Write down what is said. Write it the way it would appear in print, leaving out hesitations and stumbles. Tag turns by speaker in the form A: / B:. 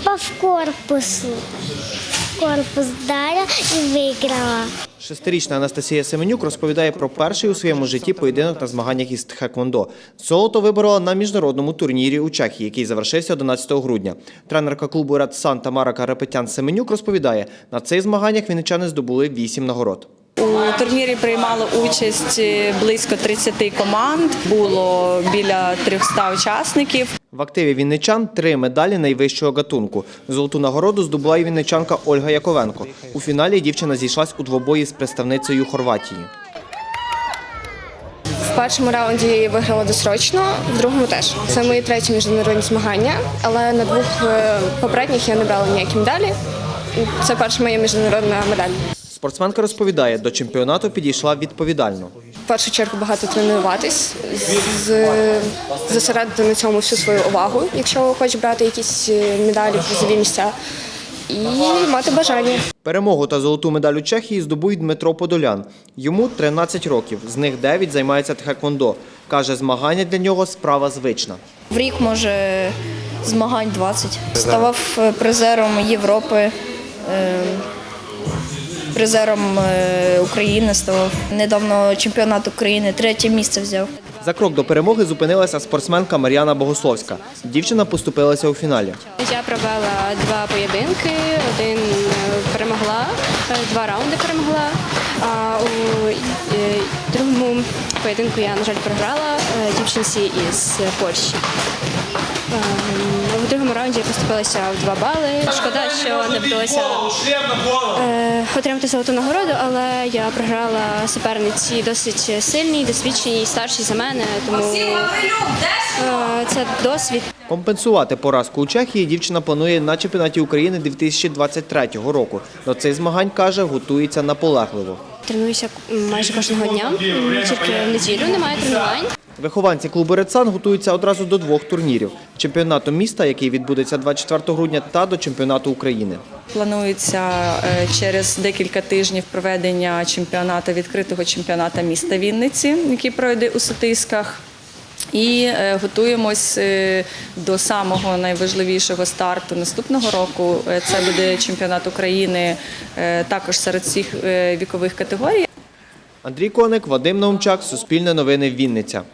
A: Попав корпус вдарила і виграла.
B: Шестирічна Анастасія Семенюк розповідає про перший у своєму житті поєдинок на змаганнях із тхеквондо. Золото виборола на міжнародному турнірі у Чехії, який завершився 11 грудня. Тренерка клубу «Ред Сан» Тамара Карапетян-Семенюк розповідає, на цих змаганнях вінничани здобули 8 нагород.
C: У турнірі приймало участь близько 30 команд, було біля 300 учасників.
B: В активі вінничан 3 медалі найвищого гатунку. Золоту нагороду здобула і вінничанка Ольга Яковенко. У фіналі дівчина зійшлась у двобої з представницею Хорватії.
D: В першому раунді я виграла досрочно, в другому теж. Це мої треті міжнародні змагання, але на 2 попередніх я не брала ніякі медалі. Це перша моя міжнародна медаль.
B: Спортсменка розповідає, до чемпіонату підійшла відповідально.
D: В першу чергу багато тренуватись, зосередити на цьому всю свою увагу, якщо хочеш брати якісь медалі, призові місця, і мати бажання.
B: Перемогу та золоту медаль у Чехії здобує Дмитро Подолян. Йому 13 років, з них 9 займається тхеквондо. Каже, змагання для нього справа звична.
E: В рік, може, змагань 20. Ставав призером Європи, призером України ставав. Недавно чемпіонат України 3-е місце взяв.
B: За крок до перемоги зупинилася спортсменка Мар'яна Богословська. Дівчина поступилася у фіналі.
F: Я провела 2 поєдинки, один перемогла, 2 раунди перемогла, а у другому поєдинку я, на жаль, програла дівчинці із Польщі. У другому раунді я поступилася в 2 бали. Шкода, що не вдалося отримати золоту нагороду, але я програла суперниці досить сильній, досвідченій, старшій за мене, тому це досвід.
B: Компенсувати поразку у Чехії дівчина планує на чемпіонаті України 2023 року. До цих змагань, каже, готується наполегливо.
F: Тренуюся майже кожного дня, тільки в неділю немає тренувань.
B: Вихованці клубу «Ред Сан» готуються одразу до 2 турнірів – чемпіонату міста, який відбудеться 24 грудня, та до чемпіонату України.
C: Планується через декілька тижнів проведення відкритого чемпіонату міста Вінниці, який пройде у Сотисках. І готуємось до самого найважливішого старту наступного року. Це буде чемпіонат України також серед всіх вікових категорій.
B: Андрій Коник, Вадим Наумчак, Суспільне новини, Вінниця.